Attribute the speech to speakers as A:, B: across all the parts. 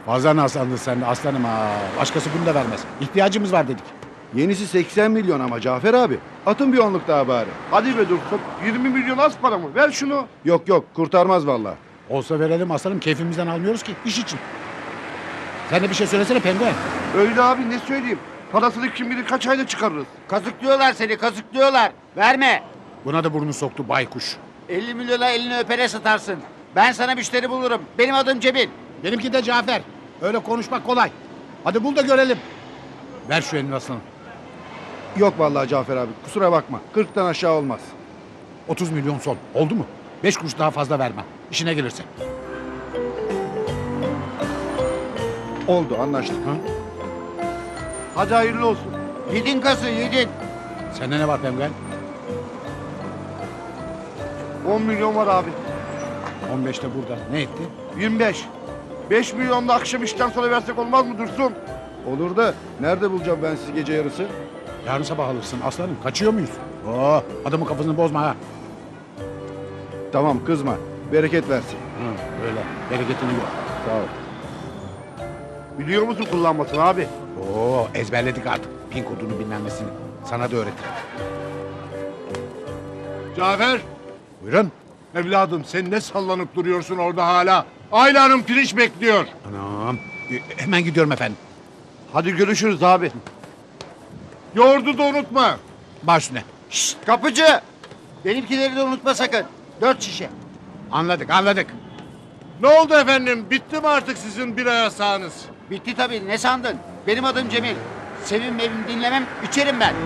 A: Fazla nasandın sen de aslanım ha. Başkası bunu da vermez. İhtiyacımız var dedik.
B: Yenisi 80 milyon ama Cafer abi. Atın bir onluk daha bari.
C: Hadi be Dursun. 20 milyon az para mı? Ver şunu.
B: Yok kurtarmaz vallahi.
A: Olsa verelim aslanım, keyfimizden almıyoruz ki iş için. Sen de bir şey söylesene penguen.
C: Öyle abi, ne söyleyeyim? Parasını kim bilir kaç ayda çıkarırız.
D: Kazıklıyorlar seni, kazıklıyorlar. Verme.
A: Buna da burnunu soktu baykuş.
D: 50 milyona elini öpere satarsın. Ben sana müşteri bulurum. Benim adım Cemil.
A: Benimki de Cafer. Öyle konuşmak kolay. Hadi bul da görelim. Ver şu elini aslanım.
B: Yok vallahi Cafer abi, kusura bakma. 40'tan aşağı olmaz.
A: 30 milyon son. Oldu mu? 5 kuruş daha fazla vermem. İşine gelirse.
B: Oldu, anlaştık.
A: Ha?
C: Hadi hayırlı olsun.
D: Yedin kazı, yedin.
A: Sende ne var penguen?
C: 10 milyon var abi.
A: 15 de burada. Ne etti?
C: 25. 5 milyon da akşam işten sonra versek olmaz mı Dursun?
B: Olur da nerede bulacağım ben sizi gece yarısı?
A: Yarın sabah alırsın aslanım. Kaçıyor muyuz? Oo, adamın kafasını bozma ha.
B: Tamam, kızma. Bereket versin.
A: Hı, öyle. Bereketini yok.
B: Sağ ol.
C: Biliyor musun kullanmasını abi?
A: Oo, ezberledik artık. Pin kodunu bilmem nesini. Sana da öğretirim.
E: Cafer,
A: Buyurun.
E: evladım sen ne sallanıp duruyorsun orada hala? Ayla Hanım pirinç bekliyor.
A: Anam. Hemen gidiyorum efendim.
C: Hadi görüşürüz abi.
E: Yoğurdu da unutma.
A: Baş üstüne.
D: Şşt, kapıcı. Benimkileri de unutma sakın. 4 şişe.
A: Anladık.
E: Ne oldu efendim? Bitti mi artık sizin bira yasağınız?
D: Bitti tabii, ne sandın? Benim adım Cemil. Sevim mevim dinlemem, içerim ben.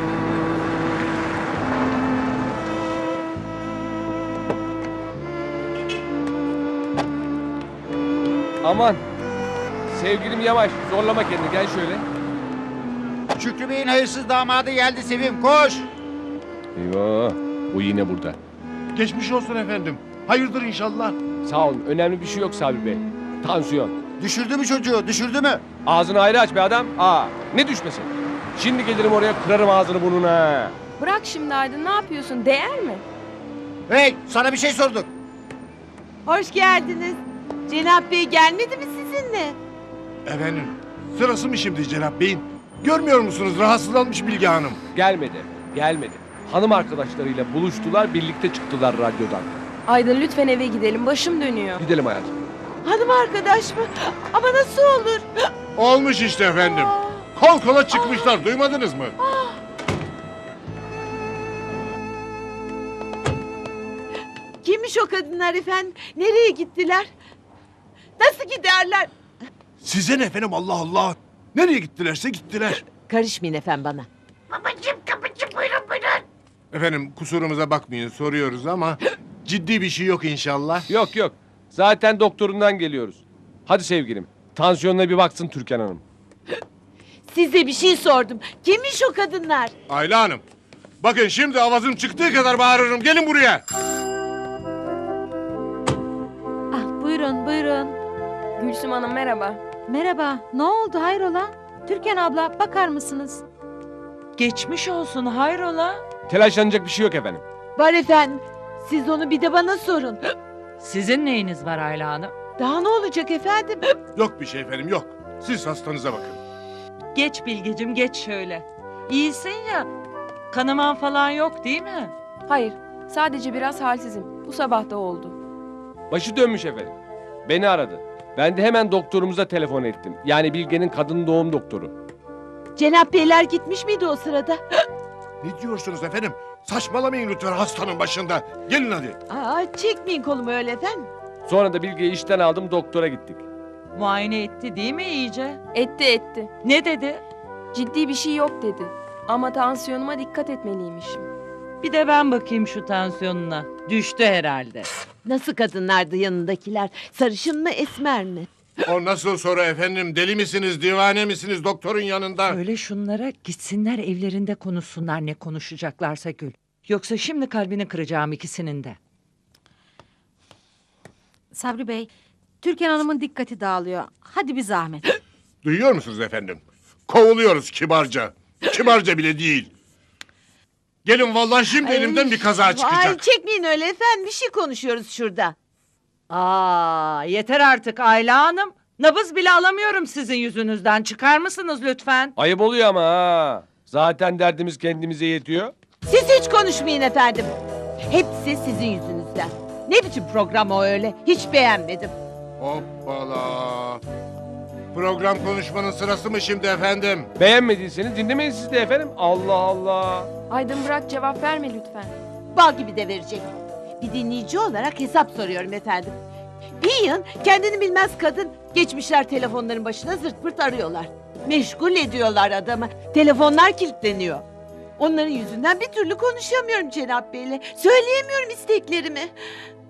F: Aman. Sevgilim yavaş. Zorlama kendini. Gel şöyle.
D: Şükrü Bey'in hayırsız damadı geldi Sevim, koş.
F: Eyvah. O yine burada.
E: Geçmiş olsun efendim. Hayırdır inşallah.
F: Sağ olun. Önemli bir şey yok Sabri Bey. Tansiyon.
D: Düşürdü mü çocuğu, düşürdü mü?
F: Ağzını ayrı aç be adam. Ne düşmesin? Şimdi gelirim oraya kırarım ağzını burnuna.
G: Bırak şimdi Aydın, ne yapıyorsun? Değer mi?
D: Hey, sana bir şey sorduk.
H: Hoş geldiniz. Cenap Bey gelmedi mi sizinle?
E: Efendim, sırası mı şimdi Cenap Bey'in? Görmüyor musunuz rahatsızlanmış Bilge Hanım?
F: Gelmedi. Hanım arkadaşlarıyla buluştular, birlikte çıktılar radyodan.
G: Aydın lütfen eve gidelim, başım dönüyor.
F: Gidelim hayatım.
H: Hanım arkadaş mı? Ama nasıl olur?
E: Olmuş işte efendim. Kol kola çıkmışlar, duymadınız mı?
H: Kimmiş o kadınlar efendim? Nereye gittiler? Nasıl giderler?
E: Size ne efendim, Allah Allah. Nereye gittilerse gittiler.
H: Karışmayın efendim bana.
E: Efendim kusurumuza bakmayın, soruyoruz ama ciddi bir şey yok inşallah.
F: Yok. Zaten doktorundan geliyoruz. Hadi sevgilim. Tansiyonuna bir baksın Türkan Hanım.
H: Size bir şey sordum. Kimmiş o kadınlar?
E: Ayla Hanım, bakın şimdi avazım çıktığı kadar bağırırım. Gelin buraya.
H: Ah buyurun.
G: Gülsüm Hanım merhaba.
I: Merhaba, ne oldu hayrola? Türkan abla bakar mısınız?
H: Geçmiş olsun hayrola?
F: Telaşlanacak bir şey yok efendim.
H: Var efendim. Siz onu bir de bana sorun.
I: Sizin neyiniz var Ayla Hanım?
H: Daha ne olacak efendim?
E: Yok bir şey efendim, yok. Siz hastanıza bakın.
I: Geç Bilgecim geç şöyle. İyisin ya, kanaman falan yok değil mi?
G: Hayır, sadece biraz halsizim. Bu sabah da oldu.
F: Başı dönmüş efendim. Beni aradı. Ben de hemen doktorumuza telefon ettim. Yani Bilge'nin kadın doğum doktoru.
H: Cenap Beyler gitmiş miydi o sırada?
E: Ne diyorsunuz efendim? Saçmalamayın lütfen hastanın başında. Gelin hadi.
H: Çekmeyin kolumu öyle efendim.
F: Sonra da Bilge'yi işten aldım, doktora gittik.
I: Muayene etti değil mi iyice?
G: Etti.
I: Ne dedi?
G: Ciddi bir şey yok dedi. Ama tansiyonuma dikkat etmeliymişim.
I: Bir de ben bakayım şu tansiyonuna. Düştü herhalde.
H: Nasıl kadınlardı yanındakiler? Sarışın mı esmer mi?
E: O nasıl soru efendim? Deli misiniz, divane misiniz doktorun yanında?
I: Öyle şunlara gitsinler evlerinde konuşsunlar ne konuşacaklarsa Gül. Yoksa şimdi kalbini kıracağım ikisinin de.
J: Sabri Bey, Türkan Hanım'ın dikkati dağılıyor. Hadi bir zahmet.
E: Duyuyor musunuz efendim? Kovuluyoruz kibarca. Kibarca bile değil. Gelin vallahi şimdi elimden bir kaza çıkacak.
H: Ay çekmeyin öyle efendim. Bir şey konuşuyoruz şurada.
I: Yeter artık Ayla Hanım. Nabız bile alamıyorum sizin yüzünüzden. Çıkar mısınız lütfen?
F: Ayıp oluyor ama ha. Zaten derdimiz kendimize yetiyor.
H: Siz hiç konuşmayın efendim. Hepsi sizin yüzünüzden. Ne biçim program o öyle? Hiç beğenmedim.
E: Hoppala. Program konuşmanın sırası mı şimdi efendim?
F: Beğenmediyseniz dinlemeyin siz de efendim. Allah Allah.
G: Aydın bırak cevap verme lütfen.
H: Bal gibi de verecek. Bir dinleyici olarak hesap soruyorum efendim. Bir yıl kendini bilmez kadın geçmişler telefonların başına zırt pırt arıyorlar. Meşgul ediyorlar adamı. Telefonlar kilitleniyor. Onların yüzünden bir türlü konuşamıyorum Cenap Bey'le. Söyleyemiyorum isteklerimi.